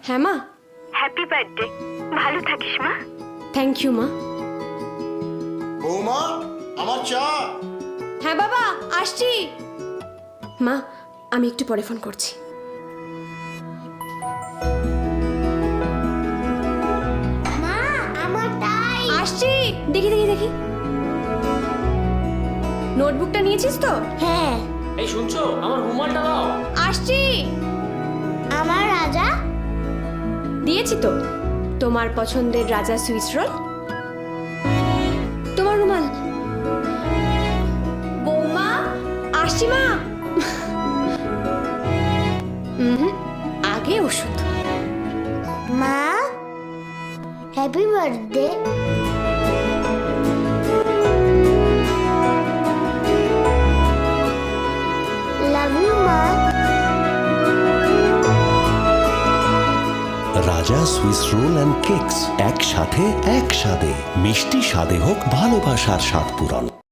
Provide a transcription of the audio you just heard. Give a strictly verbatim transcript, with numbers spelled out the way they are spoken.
হ্যাঁ মা। Happy birthday, ভালো থাকিস মা। থ্যাংক ইউ মা। বৌমা, আমার চা। হ্যাঁ বাবা, আসছি। মা, আমি একটু পরে ফোন করছি। মা, আমার টাই। আসছি, দেখি দেখি দেখি। নোটবুকটা নিয়েছিস তো? হ্যাঁ। এই শুনছো, আমার রুমালটা দাও। আসছি। আমার রাজা দিয়েছি তো, তোমার পছন্দের রাজা সুইস রোল। তোমার রুমাল। বৌমা, আসছি মা। হুম, আগে ওষুধ। মা, হ্যাপি বার্থডে। লাভ ইউ মা। রাজা সুইস রোল অ্যান্ড কেকস, একসাথে এক স্বাদে। মিষ্টি স্বাদে হোক ভালোবাসার স্বাদ পূরণ।